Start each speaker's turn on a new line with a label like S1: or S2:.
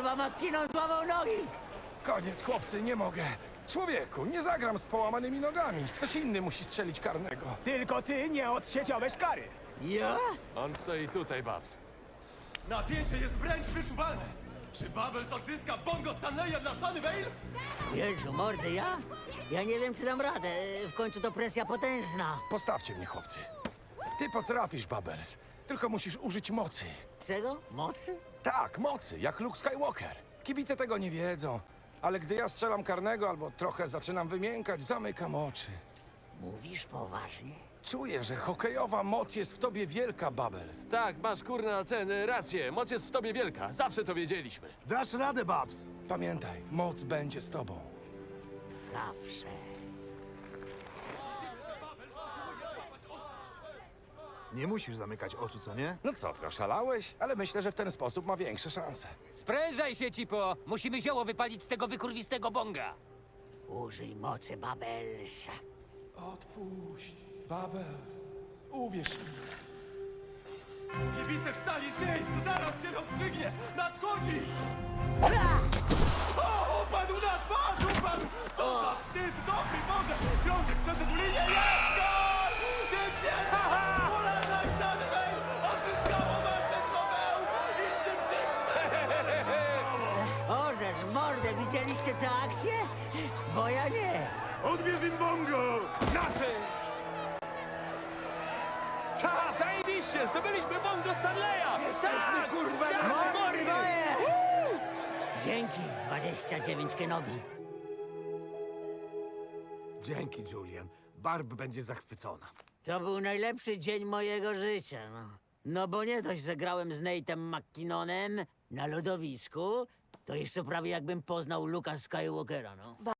S1: Chyba McKinnon złamał nogi.
S2: Koniec, chłopcy, nie mogę. Człowieku, nie zagram z połamanymi nogami. Ktoś inny musi strzelić karnego.
S3: Tylko ty nie odsiedziałeś kary.
S1: Ja?
S4: On stoi tutaj, Babs.
S5: Napięcie jest wręcz wyczuwalne! Czy Bubbles odzyska bongo Stanleya dla Sunnyvale?
S1: Jezu, mordy, ja? Ja nie wiem, czy dam radę. W końcu to presja potężna.
S2: Postawcie mnie, chłopcy. Ty potrafisz, Bubbles. Tylko musisz użyć mocy.
S1: Czego? Mocy?
S2: Tak, mocy, jak Luke Skywalker. Kibice tego nie wiedzą. Ale gdy ja strzelam karnego albo trochę zaczynam wymiękać, zamykam oczy.
S1: Mówisz poważnie?
S2: Czuję, że hokejowa moc jest w tobie wielka, Bubbles.
S4: Tak, masz kurna rację. Moc jest w tobie wielka. Zawsze to wiedzieliśmy.
S3: Dasz radę, Babs.
S2: Pamiętaj, moc będzie z tobą.
S1: Zawsze.
S3: Nie musisz zamykać oczu, co nie?
S2: No co ty, oszalałeś? Ale myślę, że w ten sposób ma większe szanse.
S6: Sprężaj się, Cipo! Musimy zioło wypalić z tego wykurwistego bonga.
S1: Użyj mocy, Babelsa.
S2: Odpuść, Bubbles. Uwierz mi.
S5: Kibice wstali z miejsc, zaraz się rozstrzygnie! Nadchodzi! O, upadł na twarz, upadł! Co za wstyd, dobry Boże! Krążek przeszedł linię, jest gol! Więc jednak Ulataj Sunnyvale odzyskało ważne trofeum i szczyt
S1: Orzesz, mordę, widzieliście tę akcję? Bo ja nie.
S5: Odbierz im bongo!
S2: Naszy!
S5: Ta, zajebiście! Zdobyliśmy bongo Stanleya!
S2: Jesteśmy, kurwa,
S1: Mordy moje! Dzięki, 29 Kenobi.
S3: Dzięki, Julian. Barb będzie zachwycona.
S1: To był najlepszy dzień mojego życia, no. No bo nie dość, że grałem z Nate'em McKinnonem na lodowisku, to jeszcze prawie jakbym poznał Luka Skywalkera, no.